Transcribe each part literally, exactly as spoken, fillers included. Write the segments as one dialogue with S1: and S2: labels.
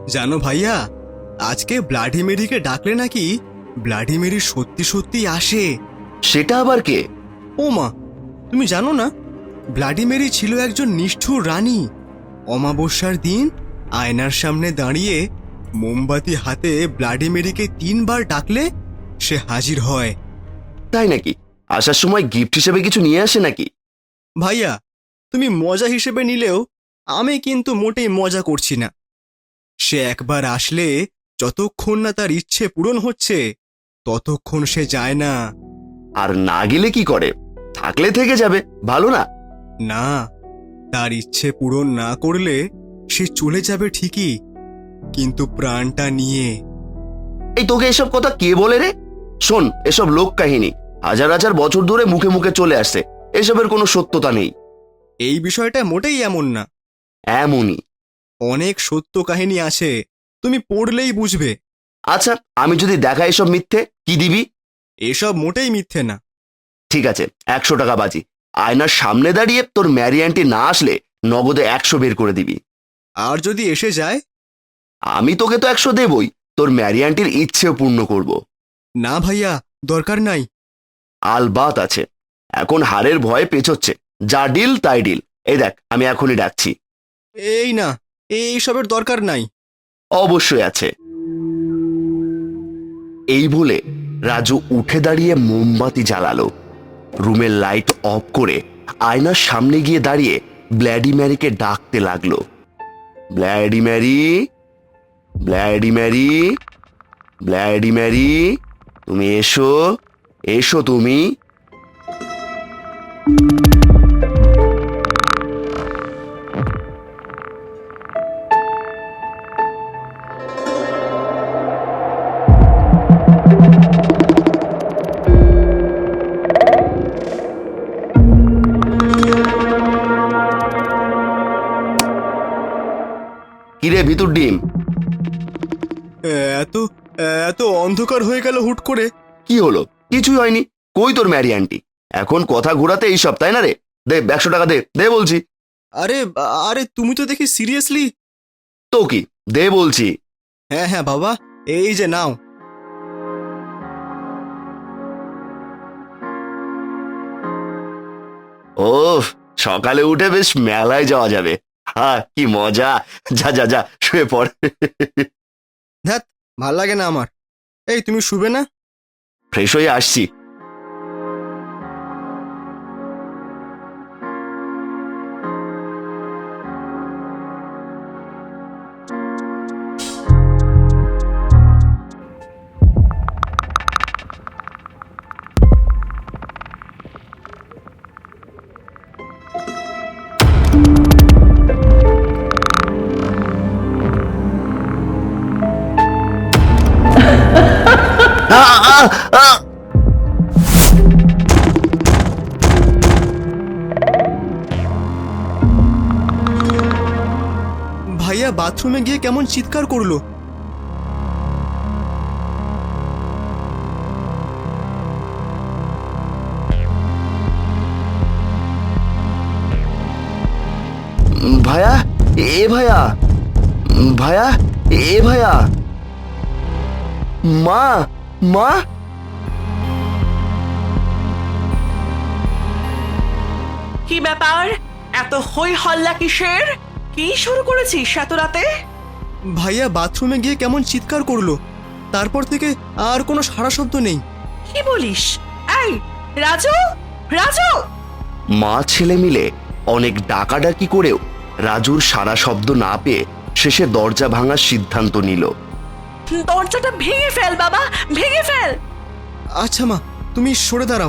S1: জানো ভাইয়া, আজকে ব্লাডি মেরিকে ডাকলে নাকি ব্লাডি মেরি সত্যি সত্যি আসে।
S2: সেটা আবার কে?
S1: ও মা, তুমি জানো না? ব্লাডি মেরি ছিল একজন নিষ্ঠুর রানী। অমাবস্যার দিন আয়নার সামনে দাঁড়িয়ে মোমবাতি হাতে ব্লাডি মেরিকে তিনবার ডাকলে সে হাজির হয়।
S2: তাই নাকি? আসার সময় গিফট হিসেবে কিছু নিয়ে আসে নাকি?
S1: ভাইয়া, তুমি মজা হিসেবে নিলেও আমি কিন্তু মোটেই মজা করছি না। সে একবার আসলে যতক্ষণ না তার ইচ্ছে পূরণ হচ্ছে ততক্ষণ সে যায় না।
S2: আর না গেলে কি করে? থাকলে থেকে যাবে, ভালো না?
S1: না, তার ইচ্ছে পূরণ না করলে সে চলে যাবে ঠিকই, কিন্তু প্রাণটা নিয়ে।
S2: এই তোকে এসব কথা কে বলে রে? শোন, এসব লোক কাহিনী হাজার হাজার বছর ধরে মুখে মুখে চলে আসছে, এসবের কোনো সত্যতা নেই।
S1: এই বিষয়টা মোটেই এমন না।
S2: এমনই।
S1: অনেক সত্য কাহিনী আছে, তুমি পড়লেই বুঝবে।
S2: আচ্ছা, আমি যদি দেখা এসব মিথ্যে, কি দিবি?
S1: এসব মোটেই মিথ্যে না।
S2: ঠিক আছে, একশো টাকা বাজি। আয়নার সামনে দাঁড়িয়ে তোর ম্যারি আন্টি না আসলে নগদে একশো বের করে দিবি।
S1: আর যদি এসে যায়?
S2: আমি তোকে তো একশো দেবই, তোর ম্যারি আন্টির ইচ্ছেও পূর্ণ করব।
S1: না ভাইয়া, দরকার নাই।
S2: আলবাত আছে। এখন হারের ভয়ে পেছোচ্ছে। যা ডিল তাই ডিল। এই দেখ, আমি এখনই ডাকছি।
S1: এই না, এই সবের দরকার নাই।
S2: অবশ্যই আছে। এই বলে রাজু উঠে দাঁড়িয়ে মোমবাতি জ্বালালো। রুমের লাইট অফ করে আয়নার সামনে গিয়ে দাঁড়িয়ে ব্ল্যাডি ম্যারিকে ডাকতে লাগলো। Bloody Mary, bloody Mary, bloody Mary, তুমি এসো, এসো তুমি। কিরে ভিতর ডিম?
S1: এত এত অন্ধকার হয়ে গেল হুট করে।
S2: কি হলো? কিছুই হয়নি। কই তোর ম্যারি আন্টি? এখন কথা ঘোরাতে এই সব, তাই না রে? দে একশো টাকা, দে দে বলছি।
S1: আরে আরে তুমি তো দেখি সিরিয়াসলি।
S2: তো কি, দে বলছি।
S1: হ্যাঁ হ্যাঁ বাবা, এই যে নাও।
S2: ও, সকালে উঠে বেশ মেলায় যাওয়া যাবে। হ্যাঁ, কি মজা। যা যা যা, শুয়ে পড়।
S1: ধ্যাত, ভাল লাগে না আমার। এই তুমি শুবে না?
S2: ফ্রেশ হয়ে আসছি। আ, আ, আ!
S1: ভাইয়া বাথরুমে গিয়ে কেমন চিৎকার করলো।
S2: ভায়া, এ ভায়া, ভায়া, এ ভায়া, মা, মা।
S3: কি ব্যাপার? এত হই হল্লা কিসের? কি শুরু করেছিস এত রাতে?
S1: ভাইয়া বাথরুমে গিয়ে কেমন চিৎকার করলো, তারপর থেকে আর কোনো সাড়া শব্দ নেই।
S3: কি বলিস? এই রাজু, রাজু!
S2: মা ছেলে মিলে অনেক ডাকাডাকি করেও রাজুর সারা শব্দ না পেয়ে শেষে দরজা ভাঙার সিদ্ধান্ত নিল।
S3: দরজাটা ভেঙে ফেল বাবা, ভেঙে ফেল।
S1: আচ্ছা মা, তুমি সরে দাঁড়াও।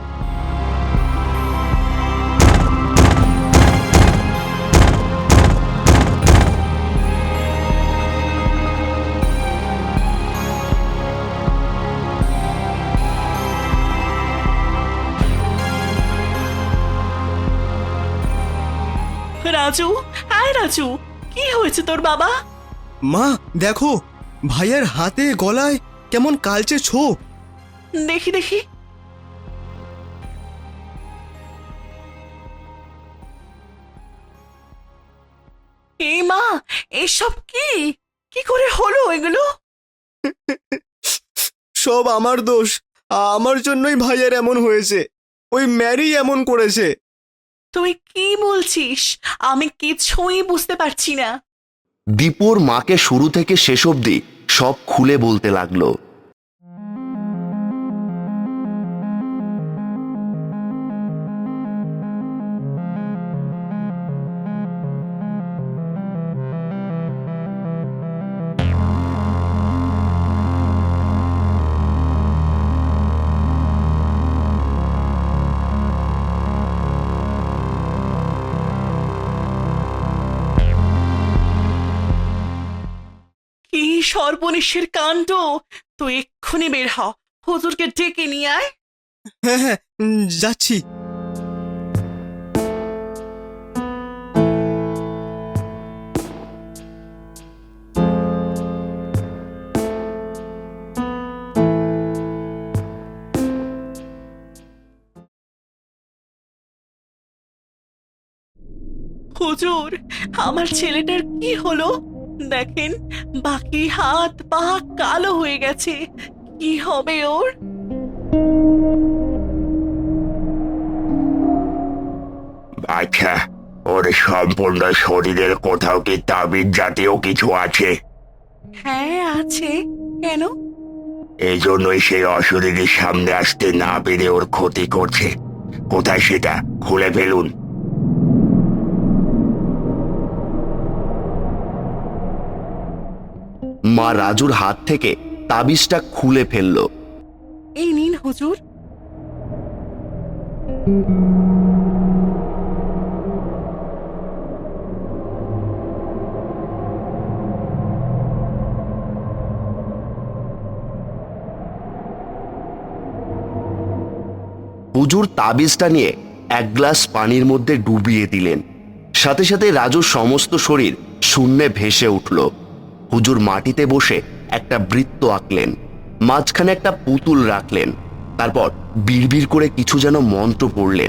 S3: রাজু, আয় রাজু, কি হয়েছে তোর বাবা?
S1: মা দেখো, ভাইয়ার হাতে গলায় কেমন কালচে ছোপ।
S3: দেখি দেখি। এই মা, এসব কি? কি করে হলো এগুলো?
S1: সব আমার দোষ। আমার জন্যই ভাইয়ের এমন হয়েছে। ওই ম্যারি এমন করেছে।
S3: তুই কি বলছিস? আমি কিছুই বুঝতে পারছি না।
S2: দীপুর মাকে শুরু থেকে শেষ অবধি সব খুলে বলতে লাগলো।
S3: কি সর্বনেশের কাণ্ড! তুই এক্ষুনি বের হ, হুজুরকে ডেকে নিয়ে আয়।
S1: হ্যাঁ হ্যাঁ, উম, যাচ্ছি।
S3: হুজুর, আমার ছেলেটার কি হলো দেখেন, বাকি হাত পা কালো হয়ে গেছে। কি হবে ওর?
S4: আচ্ছা, ওর সম্পূর্ণ শরীরের কোথাও কি তাবিজ জাতীয় কিছু আছে?
S3: হ্যাঁ আছে। কেন?
S4: এই জন্যই সেই অশরীরীর সামনে আসতে না পেরে ওর ক্ষতি করছে। কোথায় সেটা খুলে ফেলুন।
S2: মা রাজুর হাত থেকে তাবিজটা খুলে ফেললো।
S3: এই নিন হুজুর।
S2: হুজুর তাবিজটা নিয়ে এক গ্লাস পানির মধ্যে ডুবিয়ে দিলেন। সাথে সাথে রাজুর সমস্ত শরীর শূন্যে ভেসে উঠল। হুজুর মাটিতে বসে একটা বৃত্ত আঁকলেন, মাঝখানে একটা পুতুল রাখলেন। তারপর বিড়বিড় করে কিছু যেন মন্ত্র পড়লেন।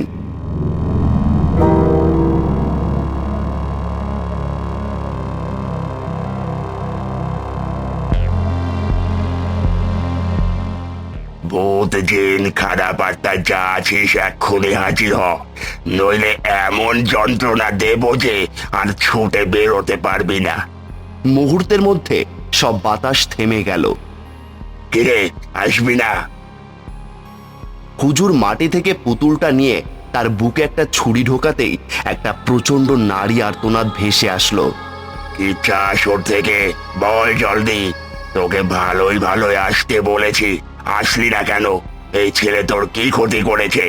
S4: ভূত জিন খারাপ আত্মা যা আছিস এক্ষুনি হাজির হ, নইলে এমন যন্ত্রণা দেব যে আর ছুটে বেরোতে পারবি না।
S2: মুহূর্তের মধ্যে সব বাতাস থেমে গেল।
S4: কিরে, আসবি না?
S2: হুজুর মাটি থেকে পুতুলটা নিয়ে তার বুকে একটা ছুরি ঢোকাতেই একটা প্রচন্ড নারী আর্তনাদ ভেসে আসলো।
S4: কি চাস ওর থেকে? বল জলদি। তোকে ভালোই ভালোই আসতে বলেছি, আসলি না কেন? এই ছেলে তোর কি ক্ষতি করেছে?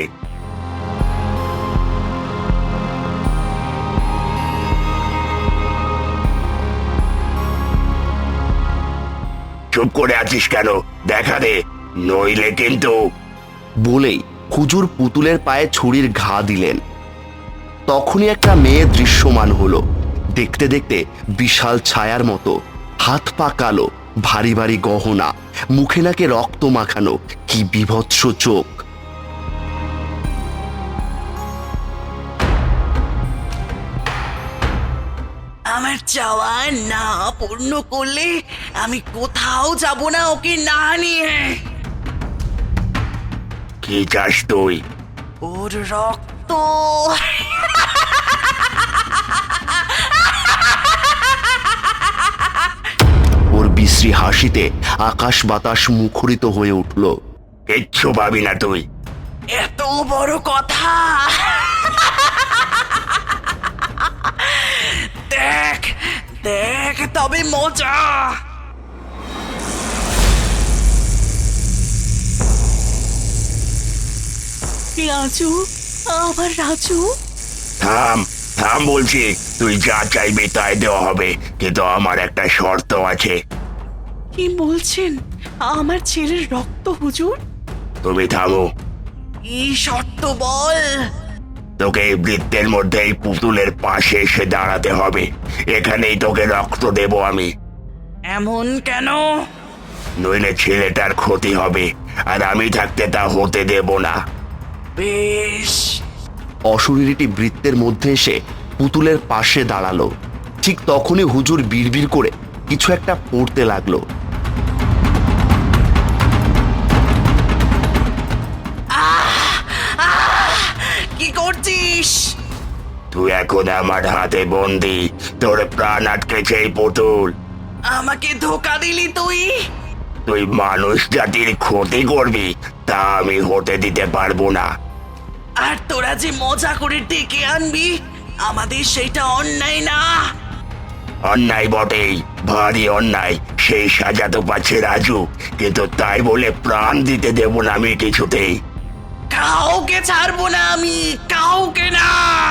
S4: চুপ করে আছিস কেন? দেখা দে, নইলে কিন্তু।
S2: বলেই হুজুর পুতুলের পায়ে ছুরির ঘা দিলেন। তখনই একটা মেয়ে দৃশ্যমান হলো। দেখতে দেখতে বিশাল ছায়ার মতো, হাত পা কালো, ভারী ভারী গহনা, মুখে নাকে রক্ত মাখানো, কি বিভৎস চোখ।
S3: আমার চাওয়া না পূর্ণ করলে আমি কোথাও যাব না ওকে না নিয়ে।
S4: কি চাস তুই?
S3: ওর রক্ত।
S2: ওর বিশ্রী হাসিতে আকাশ বাতাস মুখরিত হয়ে উঠল।
S4: কিচ্ছু পাবি না তুই।
S3: এত বড় কথা! দেখ দেখ তবে মজা। রাজু, আমার রাজু।
S4: থাম থাম বলছি। তুই যা চাইবি তাই দেওয়া হবে, কিন্তু আমার একটা শর্ত আছে।
S3: কি বলছেন? আমার ছেলের রক্ত হুজুর?
S4: তুমি থামো।
S3: কি শর্ত বল?
S4: তোকে এই বৃত্তের মধ্যে এই পুতুলের পাশে এসে দাঁড়াতে হবে। এখানেই তোকে রক্ত দেব আমি।
S3: এমন কেন?
S4: নইলে ছেলেটার ক্ষতি হবে, আর আমি থাকতে তা হতে দেব না।
S3: বেশ।
S2: অশরীরীটি বৃত্তের মধ্যে এসে পুতুলের পাশে দাঁড়ালো। ঠিক তখনই হুজুর বিড়বিড় করে কিছু একটা পড়তে লাগলো।
S3: কি করছিস?
S4: তুই এখন আমার হাতে বন্দি, তোর প্রাণ আটকেছে এই পুতুল।
S3: আমাকে ধোকা দিলি তুই।
S4: তুই মানুষ জাতির ক্ষতি করবি তা আমি হতে দিতে পারবো না।
S3: আর তোরা যে মজা করে ডেকে আনবি, আমাদের সেটা অন্যায় না?
S4: অন্যায় বটেই, ভারী অন্যায়। সেই সাজা তো পাচ্ছে রাজু, কিন্তু তাই বলে প্রাণ দিতে দেব না আমি কিছুতেই।
S3: কাউকে ছাড়বো না আমি, কাউকে না।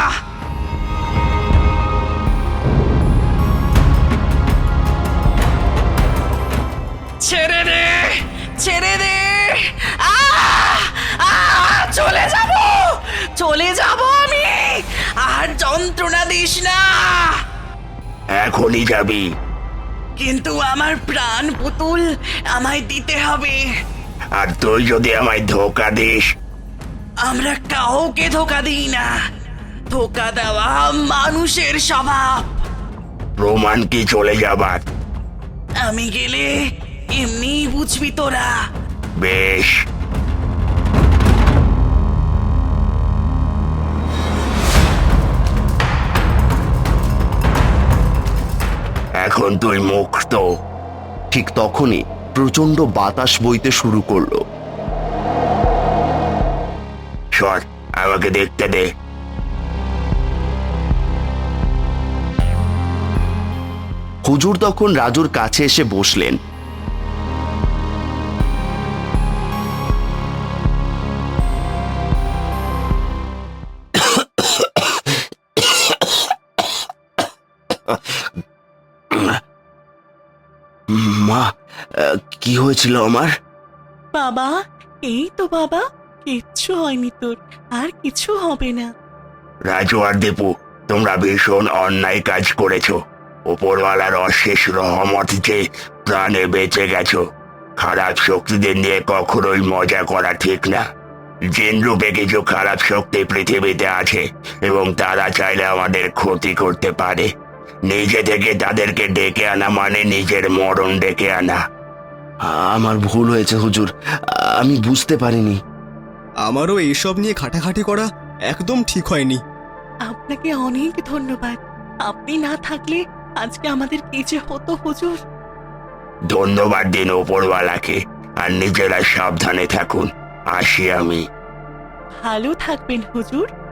S3: ছেড়ে দে, ছেড়ে দে। আহ! আহ! চলে যাব, চলে যাব আমি। আর যন্ত্রণা দিস না।
S4: এখনই যাবি?
S3: কিন্তু আমার প্রাণ পুতুল আমায় দিতে হবে।
S4: আর তুই যদি আমায় ধোকা দিস?
S3: আমরা কাউকে ধোকা দিই না। ধোকা দেওয়া মানুষের স্বভাব।
S4: প্রমাণ কি চলে যাবার?
S3: আমি গেলে এমনি বুঝবি তোরা।
S4: বেশ। এখন তুই মুক্ত।
S2: ঠিক তখনই প্রচন্ড বাতাস বইতে শুরু করলো।
S4: সর, আমাকে দেখতে দে।
S2: হুজুর তখন রাজুর কাছে এসে বসলেন। মা, আহ, কি হয়েছিল আমার?
S3: বাবা, এই তো বাবা, কিচ্ছু হয়নি তোর, আর কিছু হবে না।
S4: রাজু আর দীপু, তোমরা ভীষণ অন্যায় কাজ করেছো। উপরওয়ালার অশেষ রহমত যে প্রাণে বেঁচে গেছো। খারাপ শক্তিদের নিয়ে কখনোই মজা করা ঠিক না। জিন রূপে কিছু খারাপ শক্তি পৃথিবীতে আছে এবং তারা চাইলে আমাদের ক্ষতি করতে পারে। নিজে থেকে তাদেরকে ডেকে আনা মানে নিজের মরণ ডেকে আনা।
S2: আমার ভুল হয়েছে হুজুর, আমি বুঝতে পারিনি।
S1: আমারও এইসব নিয়ে খাটাখাটি করা একদম ঠিক হয়নি।
S3: আপনাকে অনেক ধন্যবাদ। আপনি না থাকলে আজকে আমাদের কি যে হতো হুজুর।
S4: ধন্যবাদ দিন ওপরওয়ালাকে, আর নিজেরা সাবধানে থাকুন। আসি আমি।
S3: ভালো থাকবেন হুজুর।